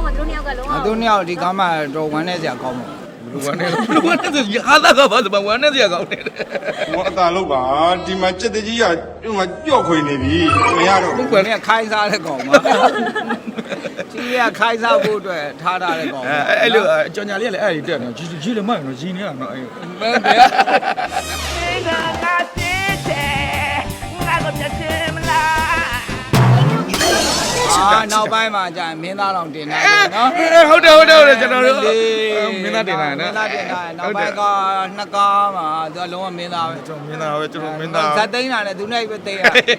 မှသူတို့နှစ်ယောက်ကလုံးဝသူနှစ်ယောက်ဒီကားမှာတော့ဝမ်းနေစရာကောင်းမှာလူဝမ်းနေဟာသာကဘာစပဝမ်းနေစရာကောင်းတယ်我大老板，ဒီမှာစက်တကြီးကဒီမှာကြောက်ခွေနေပြီမရတော့သူကလည်းခိုင်းစားတဲ့ကောင်မှာကြီးကခိုင်းစားဖို့အတွက်ထားထားတဲ့ကောင်အဲ့လိုကြော်ညာလေးကလည်းအဲ့ဒီတက်နေကြီးလည်းမနော်ကြီးနေတာနော်အဲ့မင်းဗျာနောက်ပိုင်းမှာကြာမင်းသားတော်တင်နိုင်တယ်နော်ဟုတ်တယ်ကျွန်တော်တို့မင်းသားတင်နိုင်နော်မင်းသားတင်နိုင်နောက်ပိုင်းကနှစ်ကားမှာသူကလုံးဝမင်းသားပဲကျွန်တော်မင်းသားပဲကျွန်တော်မင်းသားဇက်သိန်းတာနဲ့သူနဲ့ပဲသိရ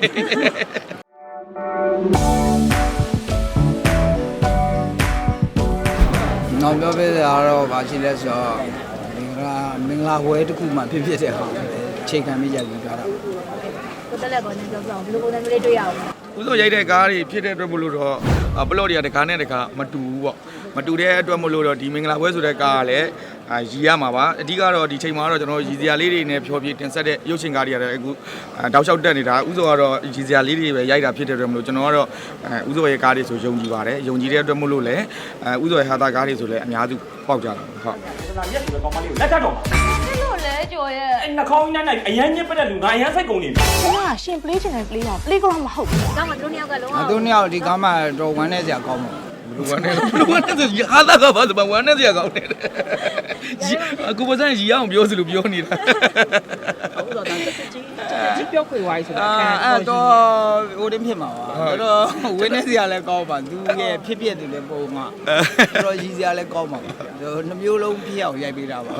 နောက်ပြောပြရတော့ဗာရှိလဲဆိုတော့မင်္ဂလာဝဲတစ်ခုမှဖြစ်တဲ့ဟာချိန်ခံမိကြပြီးကြတာကိုတက်လက်ကောနေပြောပြအောင်ဘယ်လိုပုံစံမျိုးလေးတွေ့ရအောင်ဥစိုးရိုက်တဲ့ကားတွေဖြစ်တဲ့အတွက်မလို့တော့ပလော့တွေကတကားနဲ့တကားမတူဘူးပေါ့မတူတဲ့အတွက်မလို့တော့ဒီမင်္ဂလာပွဲဆိုတဲ့ကားကလည်းရည်ရမှာပါအဓိကတော့ဒီချိန်မှာတော့ကျွန်တော်ရည်စရာလေးတွေနဲ့ဖြောပြတင်ဆက်တဲ့ရုပ်ရှင်ကားတွေရတယ်အခုတောက်လျှောက်တက်နေတာဥစိုးကတော့ရည်စရာလေးတွေပဲရိုက်တာဖြစ်တဲ့အတွက်မလို့ကျွန်တော်ကတော့ဥစိုးရဲ့ကားတွေဆိုယုံကြည်ပါတယ်ယုံကြည်တဲ့အတွက်မလို့လည်းဥစိုးရဲ့ဟာတာကားတွေဆိုလည်းအများစုပေါက်ကြတာဟုတ်ဒါမျက်ဆိုတဲ့ကောင်မလေးကိုလက်ထပ်တော့မှာလို့လဲကြော်ရဲ့အဲ့နှာခေါင်းနဲ့အရန်ညစ်ပတ်တဲ့လူငါအရန်စိတ်ကုန်နေပြီကျွန်တော်ကရှင် play ချင်တယ် play အောင် play ကောင်းမဟုတ်ဘူးဒါမှသူတို့နှစ်ယောက်ကလုံးဝသူနှစ်ယောက်ဒီကားမှာတော့ဝမ်းနေစရာကောင်းမှာလူဝမ်းနေဟာသာကဘာစပဝမ်းနေစရာကောင်းတယ်အခုပစံရီအောင်ပြောစလို့ပြောနေတာဟုတ်တော့ဒါကြီးပြောခွေဝိုင်းဆိုတာအဲ့တော့ဟိုတင်းဖြစ်မှာပါတော့ဝင်းနေစရာလည်းကောင်းပါသူရဲ့ဖြစ်ဖြစ်တယ်လည်းပုံမှာတော့ရည်စရာလည်းကောင်းပါနှမျိုးလုံးဖြစ်အောင်ရိုက်ပေးတာပါ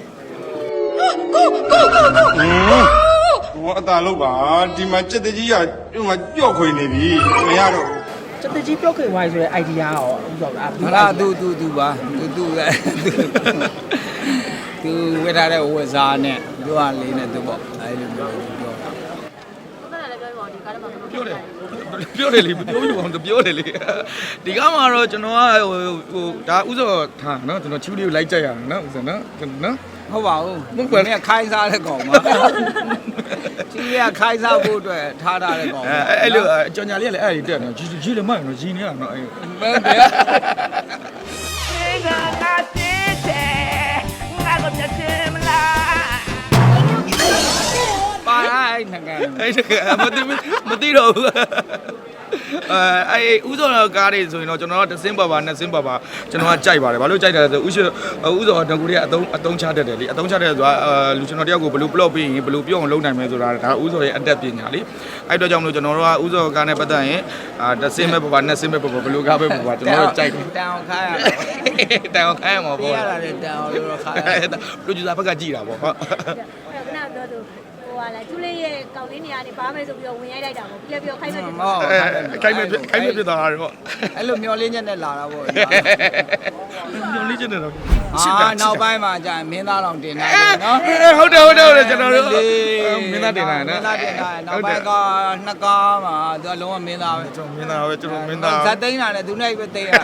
我大老板，ဒီမှာစက်တကြီးကဒီမှာကြောက်ခွေနေပြီမရတော့စက်တကြီးပြောခွေဝိုင်းဆိုတဲ့ idea ရောဥစ္စာကမလားသူပါသူဝေထားတဲ့ဝဇာနဲ့သူကလေးနဲ့သူပေါ့အဲ့လိုမျိုးပြောတာကိုတက်လက်လည်းပြောပါဦးဒီကားထဲမှာပြောတယ်လေပြောယူအောင်ပြောတယ်လေဒီကားမှာတော့ကျွန်တော်ကဟိုဒါဥစောထားနော်ကျွန်တော်ချူလေးကိုလိုက်ကြက်ရအောင်နော်ဥစောနော်ဟုတ်ပါဘူးမင်းကခိုင်းစားတဲ့ကောင်မှာကြီးကခိုင်းစားဖို့အတွက်ထားထားတဲ့ကောင်အဲ့လိုကြော်ညာလေးကလည်းအဲ့ဒီတက်နေကြီးလည်းမနော်ကြီးနေတာနော်အဲ့မင်းဗျာပါလိုက်ငါမသိတော့ဘူးအဲ့ဥစောကားတွေဆိုရင်တော့ကျွန်တော်တို့တစင်းပါနှစ်စင်းပါကျွန်တော်ကကြိုက်ပါတယ်ဘာလို့ကြိုက်တယ်လဲဆိုဥစောတကူတွေကအသုံးချတတ်တယ်လေအသုံးချတဲ့ဆိုတာလူကျွန်တော်တယောက်ကိုဘယ်လို plot ပေးရင်ဘယ်လိုပြောအောင်လုပ်နိုင်မလဲဆိုတာဒါဥစောရဲ့အတက်ပညာလေအဲ့တော့ကြောင့်မလို့ကျွန်တော်တို့ကဥစောကားနဲ့ပတ်သက်ရင်တစင်းပဲပါနှစ်စင်းပဲပါဘယ်လိုကားပဲပါကျွန်တော်တို့ကြိုက်တယ်တန်အောင်ခိုင်းရမှာပေါ့ရတာလေတန်အောင်လို့ခိုင်းရ producer ဘက်ကကြည်တာပေါ့ဟုတ်ခဏပြောသူဟိုကလည်းသူလေးရဲ့ကောက်လေးနေရာနေပါမယ်ဆိုပြီးတော့ဝင်ရိုက်လိုက်တာပေါ့ပြခိုင်းမယ်ခိုင်းမယ်ပြတာတော့အဲ့လိုမျောလင်းချက်နဲ့လာတာပေါ့မျောလင်းချက်နဲ့တော့နောက်ပိုင်းမှာကြာမင်းသားတော်တင်နိုင်တယ်နော်ဟုတ်တယ်ကျွန်တော်တို့မင်းသားတင်နိုင်နော်မင်းသားတင်နိုင်နောက်ပိုင်းကနှစ်ကားမှာသူကလုံးဝမင်းသားပဲကျွန်တော်မင်းသားပဲကျွန်တော်မင်းသားဇက်သိန်းတာနဲ့သူနဲ့ပဲသိရ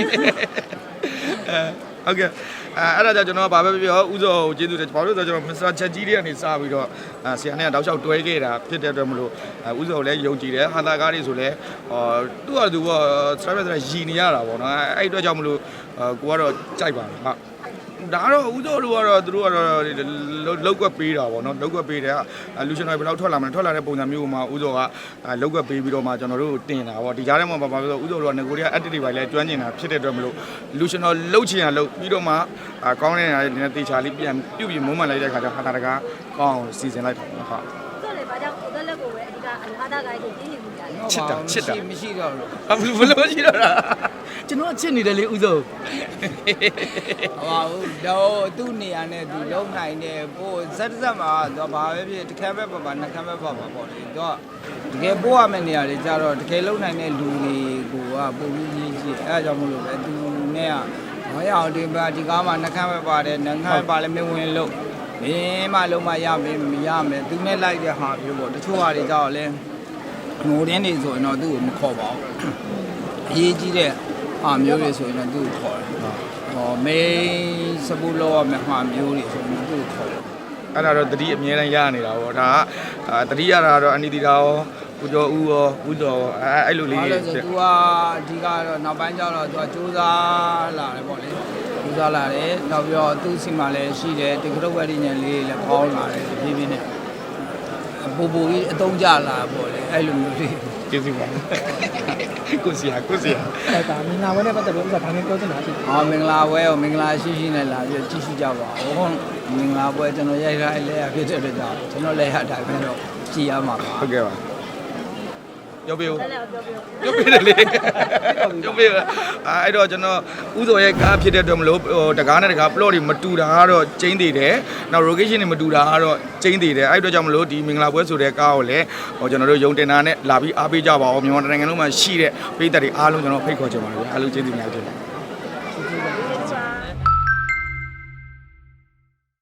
ဟုတ်ကဲ့အဲ့ဒါကြောင့်ကျွန်တော်ကဘာပဲပြောဥစောကိုကျေးဇူးတယ်ဘာလို့လဲဆိုတော့ကျွန်တော်မစ္စတာချက်ကြီးတွေကနေစပြီးတော့ဆရာနဲ့တောက်လျှောက်တွဲခဲ့တာဖြစ်တဲ့အတွက်မလို့ဥစောကိုလည်းယုံကြည်တယ်ဟာတာကားတွေဆိုလည်းသူ့ဟာသူက service ရည်နေရတာပေါ့နော်အဲ့အတွက်ကြောင့်မလို့ကိုကတော့ကြိုက်ပါတယ်ဟာဒါတော့ဥစောတို့ကတော့သူတို့ကတော့လောက်ကွက်ပေးတာပေါ့နော်လောက်ကွက်ပေးတယ်လူရှင်တွေဘယ်လောက်ထွက်လာမလဲထွက်လာတဲ့ပုံစံမျိုးမှာဥစောကလောက်ကွက်ပေးပြီးတော့မှကျွန်တော်တို့တင်တာပေါ့ဒီကြားထဲမှာဘာလို့ဥစောတို့ကငကိုတွေက active တွေလည်းကျွမ်းကျင်တာဖြစ်တဲ့အတွက်မလို့လူရှင်တော်လှုပ်ချင်ရလှုပ်ပြီးတော့မှကောင်းတဲ့နေရာတွေတေချာလေးပြန်ပြုတ်ပြီးမုံမှန်လိုက်တဲ့ခါကျဟာတာတကားကောင်းအောင်စီစဉ်လိုက်တာပေါ့ဟုတ်ဆိုတော့ဘာကြောင့်ကိုတက်လက်ကိုပဲအဓိကအဟာတာကိုင်းကိုပြင်းနေမှုကြတယ်ချစ်တာမရှိတော့လို့ဘယ်လိုရှိတော့တာကျွန်တော်ချစ်နေတယ်လေဥစောဟောတော့သူ့နေရာနဲ့သူလုံးနိုင်တယ်ပို့ဇက်မှာတော့ဘာပဲဖြစ်တစ်ခါပဲပါနှစ်ခါပဲပါပေါ့လေတော့တကယ်ပို့ရမယ့်နေရာတွေကြတော့တကယ်လုံးနိုင်တဲ့လူတွေကိုကပို့ပြီးကြီးကြီးအဲအကြောင်းမလို့ပဲသူနဲ့ကမရအောင်ဒီကားမှာနှစ်ခါပဲပါတယ်နှစ်ခါပါလဲမဝင်လို့မင်းမလုံးမရမယ်မရမယ်သူနဲ့လိုက်တဲ့ဟာမျိုးပေါ့တချို့ဟာတွေကြတော့လဲငိုတင်းနေဆိုရင်တော့သူ့ကိုမခေါ်ပါဘူးအရေးကြီးတဲ့ဟာမျိုးတွေဆိုရင်တော့သူ့ကိုခေါ်တယ်မေးစပူလောရမယ်ဟာမျိုးတွေဆိုရင်သူ့ကိုခေါ်တယ်အဲ့ဒါတော့တတိအမြဲတမ်းရနေတာပေါ့ဒါကတတိရတာတော့အနိတိတာရောကိုကျော်ဦးရောဦးတော်အဲ့လိုလေးဘာလို့လဲဆို तू ကအဓိကတော့နောက်ပိုင်းကျတော့ तू ကစူးစမ်းလာတယ်ပေါ့လေစူးစမ်းလာတယ်နောက်ပြီးတော့သူ့စီမှာလည်းရှိတယ်ဒီကရုပ်ဝက်ဒီညံလေးလည်းပေါင်းလာတယ်ဖြည်းဖြည်းနဲ့ပူပူကြီးအသုံးကျလာပေါ့လေအဲ့လိုမျိုးလေးကျေးဇူးပါကိုစီယာအဲ့ဒါမင်္ဂလာဝဲနဲ့ပတ်သက်လို့ဥစ္စာဘာမှပြောချင်တာရှိတယ်အော်မင်္ဂလာပွဲကိုမင်္ဂလာရှိရှိနဲ့လာပြီးကြည့်ရှုကြပါဦးမင်္ဂလာပွဲကျွန်တော်ရိုက်ထားလဲရဖြစ်တဲ့အတွက်ကြောင့်ကျွန်တော်လည်းအတိုင်းပဲတော့ကြည်ရမှာပါဟုတ်ကဲ့ပါပြောပြဦးအဲ့လည်းပြောပြောပြောပြတယ်လေပြောပြအဲ့တော့ကျွန်တော်ဥစောရဲ့ကားဖြစ်တဲ့အတွက်မလို့တကားနဲ့တကား plot တွေမတူတာကတော့ကျင်းသေးတယ်နောက် location တွေမတူတာကတော့ကျင်းသေးတယ်အဲ့အတွက်ကြောင့်မလို့ဒီမင်္ဂလာပွဲဆိုတဲ့ကားကိုလည်းကျွန်တော်တို့ယုံတင်တာနဲ့လာပြီးအားပေးကြပါဦးမြန်မာနိုင်ငံလုံးမှာရှိတဲ့ပြည်သက်တွေအားလုံးကျွန်တော်ဖိတ်ခေါ်ချင်ပါတယ်အားလုံးကျေးဇူးများတင်ပါတယ်